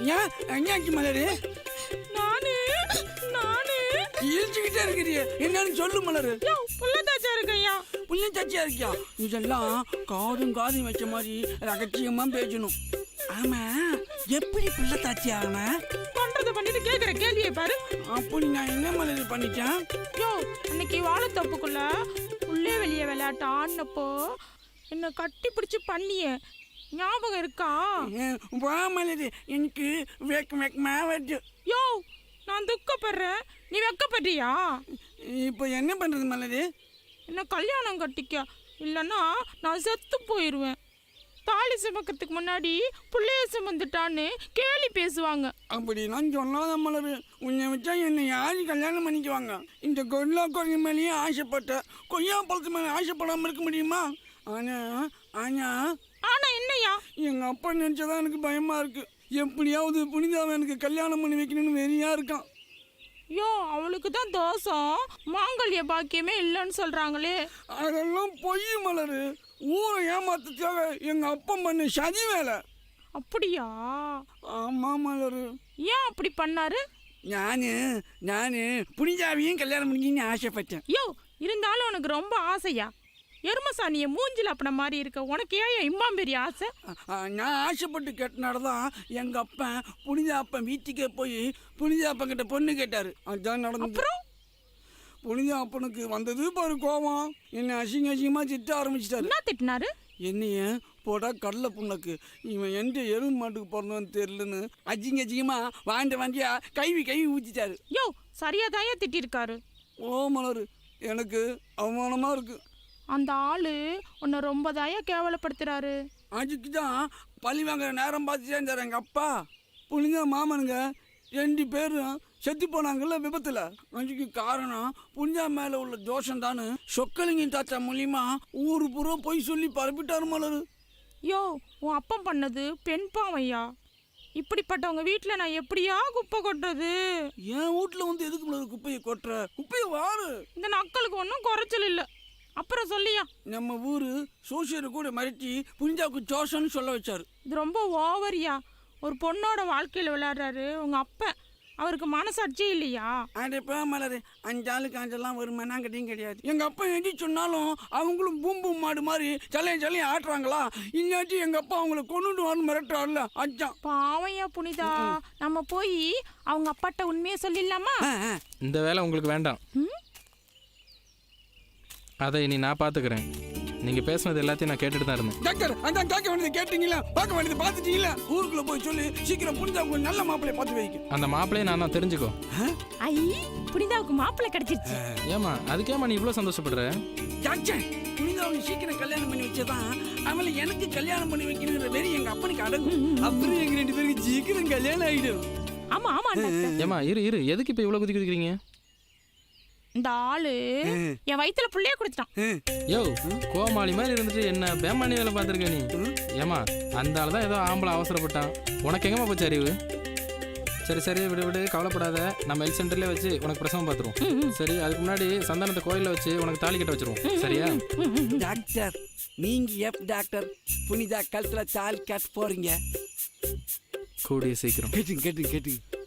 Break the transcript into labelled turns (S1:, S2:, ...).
S1: ஏன் என்னாச்சு மலரு?
S2: நானு
S1: இழிச்சுக்கிட்டே இருக்கிறிய, என்னன்னு சொல்லு மலரு.
S2: புள்ளத்தாச்சா இருக்கையா.
S1: புள்ளத்தாச்சியா இருக்கியா? இதெல்லாம் காதும் வச்ச மாதிரி ரகசியமா பேசணும். ஆமா, எப்படி புள்ளத்தாச்சி ஆகனா?
S2: பண்றத பண்ணிட்டு கேக்குற கேள்வியை பாரு.
S1: அப்படி நான் என்ன மலரு பண்ணிட்டேன்?
S2: அன்னைக்கு வாழைத்தப்புக்குள்ள உள்ளே வெளியே விளையாட்டு ஆடினப்போ என்ன கட்டி பிடிச்சு பண்ணிய ஞாபகம் இருக்கா?
S1: வா மலரு, எனக்கு வெக்கமா வருது.
S2: நான் துக்கப்படுறேன், நீ வெக்கப்படுறியா?
S1: இப்போ என்ன பண்றது மலரு?
S2: என்ன கல்யாணம் கட்டிக்க, இல்லைன்னா நான் செத்து போயிடுவேன். தாலி சுமக்கிறதுக்கு முன்னாடி புள்ளைய சுமந்துட்டான்னு கேலி பேசுவாங்க.
S1: அப்படி நான் சொல்லாத மலரு. உன்னை வச்சா என்னை யாரும் கல்யாணம் பண்ணிக்குவாங்க? இந்த கொல்லா கொய்ய மேலேயே ஆசைப்பட்ட, கொய்யா பழத்து மேலே ஆசைப்படாமல் இருக்க முடியுமா?
S2: ஆனா என்னையா?
S1: எங்க அப்பா நினைச்சதான் எனக்கு பயமா இருக்கு. எப்படியாவது புனிதாவை எனக்கு கல்யாணம் பண்ணி வைக்கணும்னு வெறியா இருக்கான்.
S2: அவளுக்கு தான் தோசம், மாங்கல்ய பாக்கியமே இல்லைன்னு சொல்றாங்களே.
S1: அதெல்லாம் பொய் மலரு. ஊரை ஏமாத்துக்காக எங்க அப்பா பண்ண சதி வேலை.
S2: அப்படியா?
S1: ஆமா மலரு.
S2: ஏன் அப்படி பண்ணாரு?
S1: நானு புனிதாவையும் கல்யாணம் பண்ணிக்கின்னு ஆசைப்பட்டேன்.
S2: இருந்தாலும் உனக்கு ரொம்ப ஆசையா? எருமசாணிய மூஞ்சில் அப்பன மாதிரி இருக்க உனக்கு ஏன் இம்மாம் பெரிய ஆசை?
S1: நான் ஆசைப்பட்டு கேட்டனாலதான் எங்க அப்பன் புனிதா அப்பன் வீட்டுக்கே போய் புனிதா அப்பன் கிட்ட பொண்ணு கேட்டாரு. அதுதான் நடந்து.
S2: அப்புறம்
S1: புனிதா அப்பனுக்கு வந்தது பாரு கோவம். என்ன அசிங்கமா திட்ட ஆரம்பிச்சிட்டாரு.
S2: என்ன திட்டினாரு?
S1: என்னைய போடா கடலை புண்ணக்கு, இவன் எந்த எருமை மாட்டுக்கு பிறந்தவன்னு தெரியலன்னு அசிங்கமா வாண்டியா கைவி ஊற்றிட்டாரு.
S2: சரியா தாயா திட்டிருக்காரு.
S1: ஓ மலரு, எனக்கு அவமானமா இருக்கு.
S2: அந்த ஆளு உன்னை ரொம்ப தாயா கேவலப்படுத்துறாரு.
S1: அதுக்கு தான் பழி வாங்குற நேரம் பார்த்து சேர்ந்தார் எங்கள் அப்பா. புனிதா மாமனுங்க 2 பேரும் செத்து போனாங்கல்ல விபத்தில். அதுக்கு காரணம் புனிதா மேலே உள்ள தோஷம் தானு சொக்கலிங்க தாத்தா மூலியமா ஊரு பூரா போய் சொல்லி பரப்பிட்டாரு மலரு.
S2: உன் அப்பம் பண்ணது பெண் பாவையா? இப்படிப்பட்டவங்க வீட்டில் நான் எப்படியா குப்பை கொட்டுறது?
S1: என் வீட்டில் வந்து எதுக்கு மலரு குப்பையை கொட்டுற? குப்பையை வாரு.
S2: இந்த நக்களுக்கு ஒன்றும் குறைச்சல் இல்லை. அப்புறம் சொல்லியா,
S1: நம்ம ஊரு சோசியரை கூட மறைச்சி புனிதாவுக்கு ஜோஷன்னு சொல்ல வச்சாரு.
S2: இது ரொம்ப ஓவரியா. ஒரு பொண்ணோட வாழ்க்கையில் விளையாடுறாரு உங்க அப்ப. அவருக்கு மனசாட்சி இல்லையா?
S1: அடைப்பா மலரு, 5 ஆளுக்கு 5 ஒரு மண்ணாங்கட்டியும் கிடையாது. எங்க அப்பா எடி சொன்னாலும் அவங்களும் பூம்பும் மாடு மாதிரி சலையும் ஆட்டுறாங்களா? இல்லாட்டி எங்க அப்பா அவங்களை கொண்டுட்டு வரணும் மிரட்டுறாருல. அச்சான்
S2: பாவையா புனிதா. நம்ம போய் அவங்க அப்பாட்ட உண்மையை சொல்லிடலாமா?
S3: இந்த வேலை உங்களுக்கு வேண்டாம். அதை இனி நான் பார்த்துக்கிறேன். நீங்கள் பேசுனது எல்லாத்தையும் நான் கேட்டுட்டு தான் இருந்தேன்.
S1: டாக்டர், அதான் கேட்க வேண்டியது கேட்டீங்களா? பார்க்க வேண்டியது பார்த்துட்டீங்களா? ஊருக்குள்ள போய் சொல்லி சீக்கிரம் புனிதாவுக்கு ஒரு நல்ல மாப்பிள்ளையை பார்த்து வைக்கும்.
S3: அந்த மாப்பிள்ளையை நான் தான் தெரிஞ்சுக்கோ.
S2: புனிதாவுக்கு மாப்பிள்ளை கிடைச்சிருச்சு.
S3: ஏமா அதுக்கேமா நீ இவ்வளோ சந்தோஷப்படுற?
S1: டாக்டர், புனிதாவுக்கு சீக்கிரம் கல்யாணம் பண்ணி வச்சதான் அவளை எனக்கு கல்யாணம் பண்ணி வைக்கணுங்கிற வெறி எங்க அப்பனுக்கு அடங்கும். அப்புறம் எங்க 2 பேருக்கு சீக்கிரம் கல்யாணம் ஆகிடும்.
S2: ஆமா.
S3: ஏமா இரு எதுக்கு இப்போ இவ்வளோ குதிக்கிறீங்க?
S2: இந்த ஆளு என் வயிற்றுல புள்ளைய குடிச்சிட்டான்.
S3: கோமாளி மாதிரி இருந்துட்டு என்ன பேமானி வேலை பார்த்துருக்க நீ? ஏமா அந்த ஆள் தான் ஏதோ ஆம்பளை அவசரப்பட்டான். உனக்கு எங்கம்மா போச்சு அறிவு? சரி விடு கவலைப்படாத. நம்ம ஹெல்த் சென்டர்லேயே வச்சு உனக்கு பிரசவம் பார்த்துருவோம். சரி, அதுக்கு முன்னாடி சந்தானத்தை கோயிலில் வச்சு உனக்கு தாலி கட்ட வச்சிருவோம். சரியா?
S1: டாக்டர், நீங்க டாக்டர் புனிதா கழுத்துல தாலி கட்ட போறீங்க?
S3: கூடிய சீக்கிரம்.
S1: கேட்டுங்க.